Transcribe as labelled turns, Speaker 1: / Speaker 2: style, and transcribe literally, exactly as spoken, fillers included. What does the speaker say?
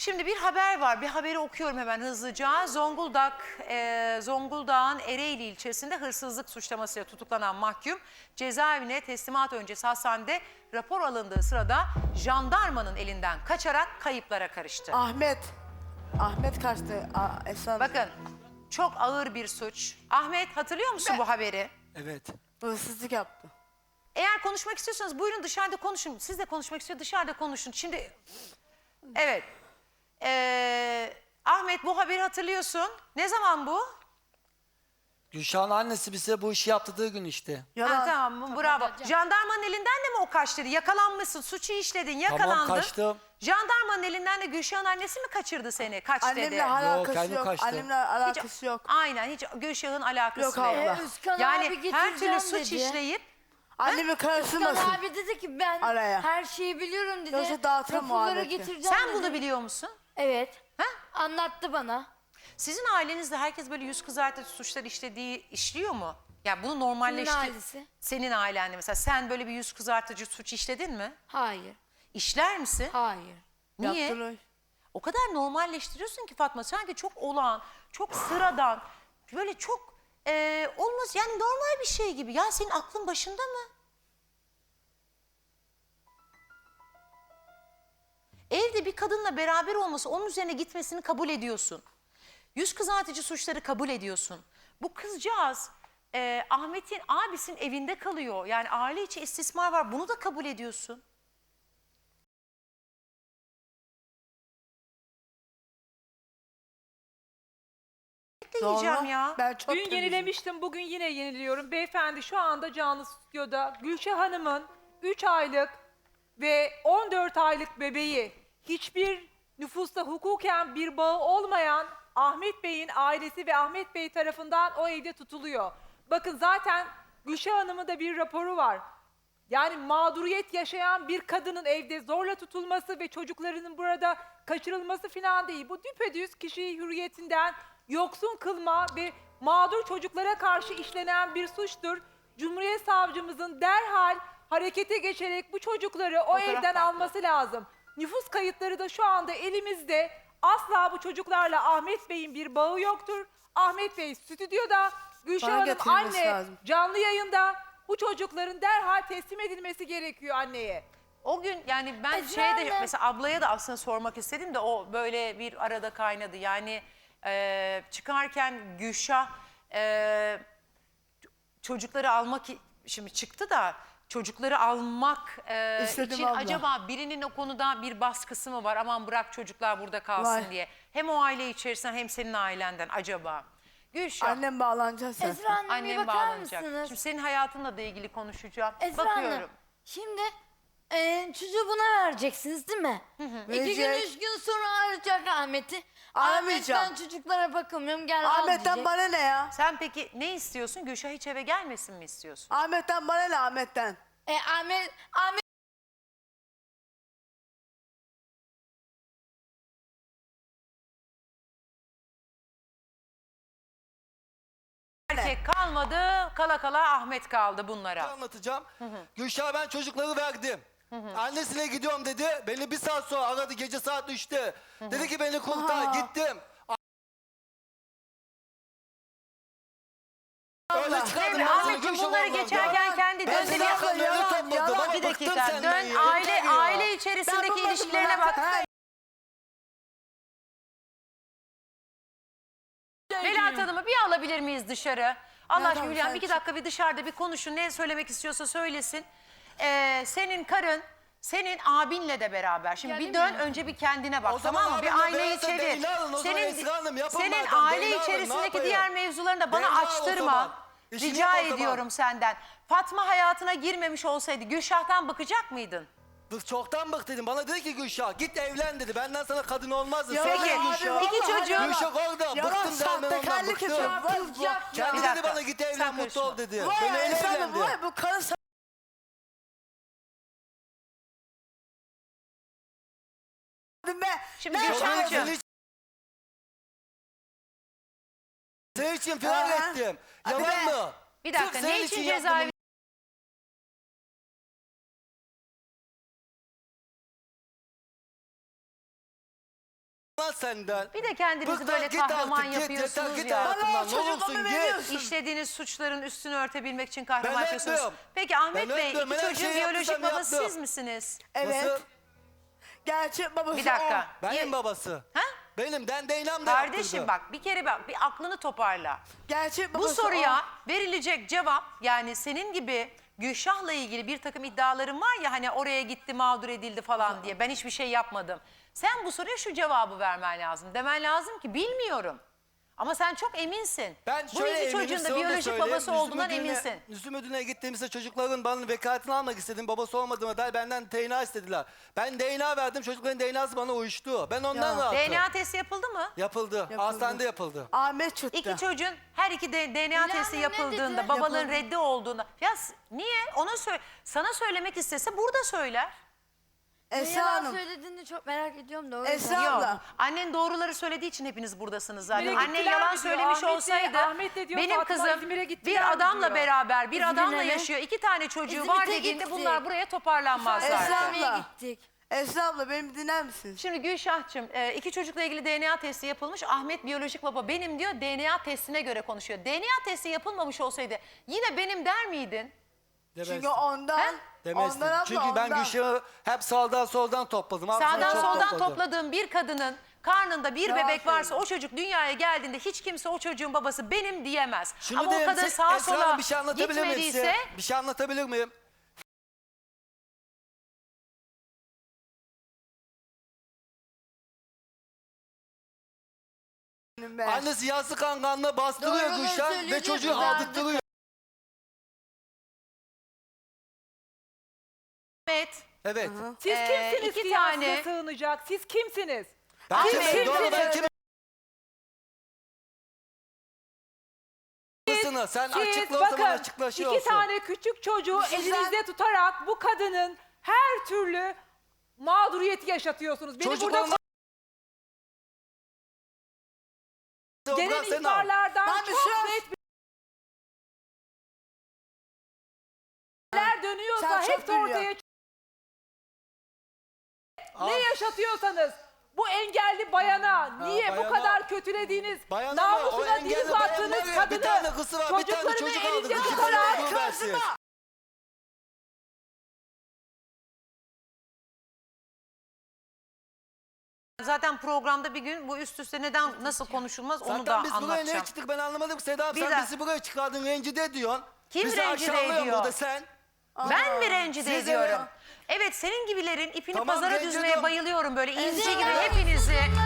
Speaker 1: Şimdi bir haber var. Bir haberi okuyorum hemen hızlıca. Zonguldak, e, Zonguldak'ın Ereğli ilçesinde hırsızlık suçlamasıyla tutuklanan mahkum cezaevine teslimat öncesi hastanede rapor alındığı sırada jandarmanın elinden kaçarak kayıplara karıştı.
Speaker 2: Ahmet. Ahmet kaçtı. Aa, Esra.
Speaker 1: Bakın çok ağır bir suç. Ahmet hatırlıyor musun bu haberi?
Speaker 3: Evet.
Speaker 2: Hırsızlık yaptı.
Speaker 1: Eğer konuşmak istiyorsanız buyurun dışarıda konuşun. Siz de konuşmak istiyor dışarıda konuşun. Şimdi evet. Ee, Ahmet bu haberi hatırlıyorsun. Ne zaman bu?
Speaker 3: Gülşah'ın annesi bize bu işi yaptırdığı gün işte.
Speaker 2: Yalan.
Speaker 1: Ha, tamam bravo. Jandarmanın elinden de mi o kaç dedi? Yakalanmışsın, suçu işledin, yakalandın.
Speaker 3: Tamam, kaçtım.
Speaker 1: Jandarmanın elinden de Gülşah'ın annesi mi kaçırdı seni? Kaç dedi?
Speaker 2: Annemle alakası
Speaker 3: kendi
Speaker 2: yok.
Speaker 3: kaçtı.
Speaker 2: Annemle alakası yok.
Speaker 1: Aynen hiç Gülşah'ın alakası
Speaker 2: Yok
Speaker 1: yok.
Speaker 2: abla.
Speaker 4: Ee, Özkan abi
Speaker 1: Yani
Speaker 4: getireceğim
Speaker 1: her türlü suç
Speaker 4: dedi.
Speaker 1: işleyip
Speaker 2: Annemi
Speaker 4: Özkan
Speaker 2: karıştırmasın.
Speaker 4: abi dedi ki ben
Speaker 2: Araya.
Speaker 4: her şeyi biliyorum dedi.
Speaker 2: Yoksa dağıtırım
Speaker 4: Raporları
Speaker 2: muhabbeti.
Speaker 4: getireceğim
Speaker 1: sen
Speaker 4: dedi.
Speaker 1: bunu biliyor musun?
Speaker 4: Evet.
Speaker 1: Ha?
Speaker 4: Anlattı bana.
Speaker 1: Sizin ailenizde herkes böyle yüz kızartıcı suçlar işlediği işliyor mu? Ya bunu
Speaker 4: Kimin
Speaker 1: normalleşti.
Speaker 4: ailesi?
Speaker 1: Senin ailende mesela sen böyle bir yüz kızartıcı suç işledin mi?
Speaker 4: Hayır.
Speaker 1: İşler misin?
Speaker 4: Hayır.
Speaker 1: Niye?
Speaker 2: Yaptılar.
Speaker 1: O kadar normalleştiriyorsun ki Fatma sanki çok olağan, çok sıradan, böyle çok e, olmaz yani normal bir şey gibi. Ya senin aklın başında mı? Evde bir kadınla beraber olması, onun üzerine gitmesini kabul ediyorsun. Yüz kızartıcı suçları kabul ediyorsun. Bu kızcağız e, Ahmet'in abisinin evinde kalıyor. Yani aile içi istismar var. Bunu da kabul ediyorsun. Ne yiyeceğim
Speaker 2: Sonra
Speaker 1: ya?
Speaker 2: Ben çok
Speaker 5: Dün
Speaker 2: temizim.
Speaker 5: yenilemiştim, bugün yine yeniliyorum. Beyefendi şu anda canlı stüdyoda Gülşah Hanım'ın üç aylık ve on dört aylık bebeği hiçbir nüfusta hukuken bir bağı olmayan Ahmet Bey'in ailesi ve Ahmet Bey tarafından o evde tutuluyor. Bakın zaten Gülşah Hanım'ın da bir raporu var. Yani mağduriyet yaşayan bir kadının evde zorla tutulması ve çocuklarının burada kaçırılması falan değil. Bu düpedüz kişiyi hürriyetinden yoksun kılma ve mağdur çocuklara karşı işlenen bir suçtur. Cumhuriyet Savcımızın derhal harekete geçerek bu çocukları o
Speaker 1: Fotoğraf
Speaker 5: evden
Speaker 1: farklı.
Speaker 5: alması lazım. Nüfus kayıtları da şu anda elimizde. Asla bu çocuklarla Ahmet Bey'in bir bağı yoktur. Ahmet Bey stüdyoda, Gülşah
Speaker 2: Bana
Speaker 5: Hanım
Speaker 2: getirilmesi
Speaker 5: anne
Speaker 2: lazım.
Speaker 5: canlı yayında. Bu çocukların derhal teslim edilmesi gerekiyor anneye.
Speaker 1: O gün yani ben
Speaker 4: Esra
Speaker 1: şeye de
Speaker 4: Hanım.
Speaker 1: mesela ablaya da aslında sormak istedim de o böyle bir arada kaynadı. Yani e, çıkarken Gülşah e, çocukları almak i- şimdi çıktı da çocukları almak e,
Speaker 2: İstedim
Speaker 1: için
Speaker 2: abla.
Speaker 1: acaba birinin o konuda bir baskısı mı var? Aman bırak çocuklar burada kalsın
Speaker 2: Var.
Speaker 1: diye. Hem o aile içerisinden hem senin ailenden acaba. Gülşah.
Speaker 2: Annem bağlanacak sen.
Speaker 4: Esra Hanım bir
Speaker 1: Annem
Speaker 4: bakar
Speaker 1: bağlanacak.
Speaker 4: mısınız?
Speaker 1: Şimdi senin hayatınla da ilgili konuşacağım.
Speaker 4: Esra
Speaker 1: Bakıyorum.
Speaker 4: Hanım şimdi e, çocuğu buna vereceksiniz değil mi? İki gün
Speaker 2: Verecek.
Speaker 4: üç gün sonra arayacak Ahmet'i.
Speaker 2: Aramayacağım.
Speaker 4: Ahmet ben çocuklara bakamıyorum gel al
Speaker 2: Ahmet'ten
Speaker 4: diyecek.
Speaker 2: bana ne ya?
Speaker 1: Sen peki ne istiyorsun? Gülşah hiç eve gelmesin mi istiyorsun?
Speaker 2: Ahmet'ten bana ne Ahmet'ten?
Speaker 4: E, Ahmet, Ahmet
Speaker 1: Erkek kalmadı, kala kala Ahmet kaldı bunlara.
Speaker 3: Anlatacağım. Gülşah'a ben çocukları verdim. Annesine gidiyorum dedi. Beni bir saat sonra aradı gece saat üçte. Dedi ki beni kurtar.
Speaker 2: Aa.
Speaker 3: Gittim. Öyle çıkardım.
Speaker 1: Devre,
Speaker 3: ben seni
Speaker 1: Ahmetciğim
Speaker 3: Gülşah
Speaker 1: bunları
Speaker 3: oradan.
Speaker 1: geçerken kendi
Speaker 3: Ben
Speaker 1: dön
Speaker 3: seni
Speaker 1: bir
Speaker 3: yakarım,
Speaker 2: yalan,
Speaker 3: öyle topladım.
Speaker 2: yalan.
Speaker 3: Ama
Speaker 1: Bir
Speaker 3: bıktım
Speaker 1: dakika
Speaker 3: senden
Speaker 1: dön
Speaker 3: ya,
Speaker 1: aile
Speaker 3: yeter ya.
Speaker 1: aile
Speaker 2: Ben
Speaker 1: içerisindeki
Speaker 2: bulmadım
Speaker 1: ilişkilerine
Speaker 2: ya.
Speaker 1: bak.
Speaker 2: Ha,
Speaker 1: Melahat Hanım'ı bir alabilir miyiz dışarı? Allah
Speaker 2: Ya
Speaker 1: aşkına
Speaker 2: tamam,
Speaker 1: Hülya
Speaker 2: sen
Speaker 1: bir iki
Speaker 2: çık.
Speaker 1: dakika bir dışarıda bir konuşun. Ne söylemek istiyorsa söylesin. Ee, senin karın senin abinle de beraber. Şimdi bir dön önce bir kendine bak
Speaker 3: O zaman
Speaker 1: tamam mı? Bir
Speaker 3: abimle
Speaker 1: aileyi
Speaker 3: beraber
Speaker 1: çevir.
Speaker 3: Leyla alın, o zaman
Speaker 1: Senin,
Speaker 3: Esra Hanım yapın
Speaker 1: senin
Speaker 3: madem,
Speaker 1: aile
Speaker 3: Leyla alın, ne
Speaker 1: içerisindeki
Speaker 3: yapayım?
Speaker 1: diğer mevzularını da bana
Speaker 3: Leyla o
Speaker 1: açtırma.
Speaker 3: zaman. İşini
Speaker 1: Rica
Speaker 3: yap o zaman.
Speaker 1: ediyorum senden. Fatma hayatına girmemiş olsaydı Gülşah'tan bakacak mıydın?
Speaker 3: Bık çoktan bıktım. Bana dedi ki Gülşah git evlen dedi. Benden sana kadın olmaz dedi.
Speaker 2: Ya
Speaker 3: Sonra
Speaker 1: Peki,
Speaker 2: abi,
Speaker 3: Gülşah.
Speaker 2: vallahi
Speaker 1: iki çocuğun-
Speaker 2: yalan.
Speaker 3: Gülşah orada.
Speaker 2: Yalan,
Speaker 3: Bıktım dermen ondan
Speaker 2: sahtekarlık
Speaker 3: bıktım.
Speaker 2: yapıyor. Vay, vay.
Speaker 3: Kendi
Speaker 1: Bir
Speaker 3: dedi
Speaker 1: dakika,
Speaker 3: bana git
Speaker 1: sen
Speaker 3: evlen mutlu
Speaker 1: karışma.
Speaker 3: ol dedi.
Speaker 2: Vay
Speaker 3: Ben öyle
Speaker 2: Esra Hanım,
Speaker 3: evlendi.
Speaker 2: vay bu karı sa- be.
Speaker 1: Şimdi
Speaker 2: Ben
Speaker 1: Gülşah
Speaker 2: sana-
Speaker 1: Hocam.
Speaker 3: Senin için, senin için firar
Speaker 2: Aha.
Speaker 3: ettim.
Speaker 2: Hadi
Speaker 3: Yalan
Speaker 2: be.
Speaker 3: mı?
Speaker 1: Bir
Speaker 3: Sırf
Speaker 1: dakika
Speaker 3: senin
Speaker 1: ne için
Speaker 3: yaptım
Speaker 1: cezaevi
Speaker 3: lan senden.
Speaker 1: Bir de kendinizi
Speaker 3: Bıktım,
Speaker 1: böyle
Speaker 3: git
Speaker 1: kahraman
Speaker 3: artık, git,
Speaker 1: yapıyorsunuz
Speaker 3: yeter, git
Speaker 1: ya.
Speaker 3: hayatımdan,
Speaker 2: Bana o
Speaker 3: ne
Speaker 2: çocukluğumu
Speaker 3: olursun, git.
Speaker 2: veriyorsun.
Speaker 1: İşlediğiniz suçların üstünü örtebilmek için kahraman
Speaker 3: Ben
Speaker 1: yapıyorsunuz.
Speaker 3: etmiyorum.
Speaker 1: Peki Ahmet
Speaker 3: Ben
Speaker 1: Bey,
Speaker 3: etmiyorum.
Speaker 1: iki
Speaker 3: Ben her
Speaker 1: çocuğun
Speaker 3: şeyi
Speaker 1: biyolojik
Speaker 3: yaptıysam
Speaker 1: babası
Speaker 3: yaptım.
Speaker 1: siz misiniz?
Speaker 2: Evet.
Speaker 3: Nasıl?
Speaker 2: Gerçek babası
Speaker 1: Bir dakika.
Speaker 2: o.
Speaker 3: Benim
Speaker 1: Ye-
Speaker 3: babası.
Speaker 1: Ha?
Speaker 3: Benim den değinem de
Speaker 1: Kardeşim
Speaker 3: yaptırdı.
Speaker 1: bak bir kere bak bir aklını toparla.
Speaker 2: Gerçek
Speaker 1: Bu
Speaker 2: babası
Speaker 1: soruya
Speaker 2: o.
Speaker 1: verilecek cevap yani senin gibi Gülşah'la ilgili bir takım iddiaların var ya hani oraya gitti mağdur edildi falan diye ben hiçbir şey yapmadım. Sen bu soruya şu cevabı vermen lazım. Demen lazım ki bilmiyorum. Ama sen çok eminsin.
Speaker 3: Ben
Speaker 1: Bu
Speaker 3: şöyle
Speaker 1: iki
Speaker 3: eminim,
Speaker 1: çocuğun da
Speaker 3: size onu
Speaker 1: biyolojik
Speaker 3: söyleyeyim.
Speaker 1: babası
Speaker 3: Müslüm
Speaker 1: olduğundan
Speaker 3: Müdürü'ne-
Speaker 1: eminsin.
Speaker 3: Müslüm Müdürü'ne gittiğimizde çocukların bana vekaletini almak istedim. Babası olmadığıma dair benden D N A istediler. Ben D N A verdim. Çocukların D N A'sı bana uyuştu. Ben ondan
Speaker 2: Ya.
Speaker 3: rahatım.
Speaker 1: D N A testi yapıldı mı?
Speaker 3: Yapıldı.
Speaker 2: Yapıldı.
Speaker 3: Hastanede yapıldı.
Speaker 2: Ahmet çıktı.
Speaker 1: İki çocuğun her iki de D N A
Speaker 4: İlhan
Speaker 1: testi
Speaker 4: ne
Speaker 1: yapıldığında
Speaker 4: dedi?
Speaker 1: babalığın
Speaker 2: Yapıldı.
Speaker 1: reddi olduğunda. Ya s- niye? Ona söyle. Sana söylemek istese burada söyler.
Speaker 4: Ne
Speaker 2: Esra
Speaker 4: yalan
Speaker 2: Hanım.
Speaker 4: söylediğini çok merak ediyorum da o yüzden.
Speaker 2: Esra
Speaker 1: Yok.
Speaker 2: abla.
Speaker 1: Annen doğruları söylediği için hepiniz buradasınız zaten.
Speaker 5: İzmir'e
Speaker 1: Annen
Speaker 5: gittiler
Speaker 1: yalan
Speaker 5: mi diyor,
Speaker 1: söylemiş
Speaker 5: Ahmet de-
Speaker 1: olsaydı
Speaker 5: Ahmet de diyor,
Speaker 1: benim
Speaker 5: Fatma
Speaker 1: kızım
Speaker 5: İzmir'e gittiler
Speaker 1: bir
Speaker 5: mi
Speaker 1: adamla
Speaker 5: diyor.
Speaker 1: beraber bir
Speaker 4: İzmir'e
Speaker 1: adamla
Speaker 4: mi?
Speaker 1: yaşıyor. İki tane çocuğu
Speaker 4: İzmit'e
Speaker 1: var dediğinde
Speaker 4: gittik.
Speaker 1: bunlar buraya toparlanmaz
Speaker 2: Esra
Speaker 1: zaten.
Speaker 2: abla.
Speaker 4: Esra'ya gittik.
Speaker 2: Esra abla beni dinler misiniz?
Speaker 1: Şimdi Gülşah'cığım e, iki çocukla ilgili D N A testi yapılmış. Ahmet biyolojik baba benim diyor D N A testine göre konuşuyor. D N A testi yapılmamış olsaydı yine benim der miydin?
Speaker 3: Demezdim.
Speaker 2: Çünkü ondan,
Speaker 1: He?
Speaker 3: Demezdim.
Speaker 2: ondan abla,
Speaker 3: Çünkü ben
Speaker 2: ondan.
Speaker 3: Gülşah'ı hep sağdan soldan topladım. Aslında
Speaker 1: Sağdan
Speaker 3: çok
Speaker 1: soldan
Speaker 3: topladım.
Speaker 1: topladığım bir kadının karnında bir
Speaker 2: Yalan
Speaker 1: bebek varsa
Speaker 2: söylüyor.
Speaker 1: o çocuk dünyaya geldiğinde hiç kimse o çocuğun babası benim diyemez.
Speaker 3: Şunu
Speaker 1: Ama o
Speaker 3: diyeyim,
Speaker 1: kadın
Speaker 3: siz-
Speaker 1: sağa
Speaker 3: Esra
Speaker 1: sola
Speaker 3: Hanım, bir şey anlatabilir miyim size?
Speaker 1: gitmediyse
Speaker 3: Bir şey anlatabilir miyim?
Speaker 2: Ben.
Speaker 3: Annesi yastık kankanla bastırıyor
Speaker 4: Doğruları
Speaker 3: Gülşah ve
Speaker 4: söyleyecek
Speaker 3: çocuğu
Speaker 4: mi?
Speaker 3: aldırtırıyor.
Speaker 1: Ahmet
Speaker 3: Evet.
Speaker 5: Siz
Speaker 1: Ee,
Speaker 5: kimsiniz
Speaker 1: iki
Speaker 5: ki
Speaker 1: tane-
Speaker 5: tane... sığınacak? Siz kimsiniz?
Speaker 3: Ben
Speaker 1: Ahmet,
Speaker 3: kimim? Doğru, ben
Speaker 5: kimsiniz?
Speaker 3: kimim? Sen
Speaker 5: Siz
Speaker 3: açıkla o zaman
Speaker 5: bakın
Speaker 3: açıkla şey
Speaker 5: iki
Speaker 3: olsun.
Speaker 5: tane küçük çocuğu
Speaker 2: Sizden-
Speaker 5: elinizde tutarak bu kadının her türlü mağduriyeti yaşatıyorsunuz. Beni burada
Speaker 3: Çocuklarına...
Speaker 5: gelen
Speaker 3: Bırak sen al.
Speaker 5: ihbarlardan
Speaker 2: Ben bir
Speaker 5: çok
Speaker 2: sus.
Speaker 5: net bilgiler dönüyorsa
Speaker 2: Sen çok
Speaker 5: hepsi ortaya
Speaker 2: biliyorsun.
Speaker 5: çıkıyor.
Speaker 3: Al.
Speaker 5: Ne yaşatıyorsanız bu engelli bayana niye bu
Speaker 3: bayana-
Speaker 5: kadar kötülediğiniz,
Speaker 3: Bayana mı? O
Speaker 5: namusuna
Speaker 3: engelli
Speaker 5: diz attığınız
Speaker 3: bayan var ya,
Speaker 5: kadını
Speaker 3: bir tane kızı var, bir tane
Speaker 5: çocuklarını
Speaker 3: çocuk aldı.
Speaker 5: elinde
Speaker 3: İki tane
Speaker 5: tutarak
Speaker 3: çocuğu versin.
Speaker 1: zaten programda bir gün bu üst üste neden nasıl konuşulmaz onu
Speaker 3: Zaten
Speaker 1: da
Speaker 3: biz buraya
Speaker 1: anlatacağım.
Speaker 3: niye çıktık ben anlamadım. Seda
Speaker 1: Bir
Speaker 3: sen
Speaker 1: de-
Speaker 3: bizi buraya çıkardın rencide diyorsun.
Speaker 1: Kim
Speaker 3: bizi
Speaker 1: rencide
Speaker 3: aşağılıyorsun
Speaker 1: ediyor?
Speaker 3: burada sen.
Speaker 1: Ben mi rencide
Speaker 3: Siz
Speaker 1: ediyorum?
Speaker 3: evet.
Speaker 1: Evet senin gibilerin ipini
Speaker 3: Tamam,
Speaker 1: pazara
Speaker 3: rencide
Speaker 1: düzmeye
Speaker 3: ediyorum.
Speaker 1: bayılıyorum böyle inci
Speaker 4: Evet,
Speaker 1: gibi
Speaker 4: evet.
Speaker 1: hepinizi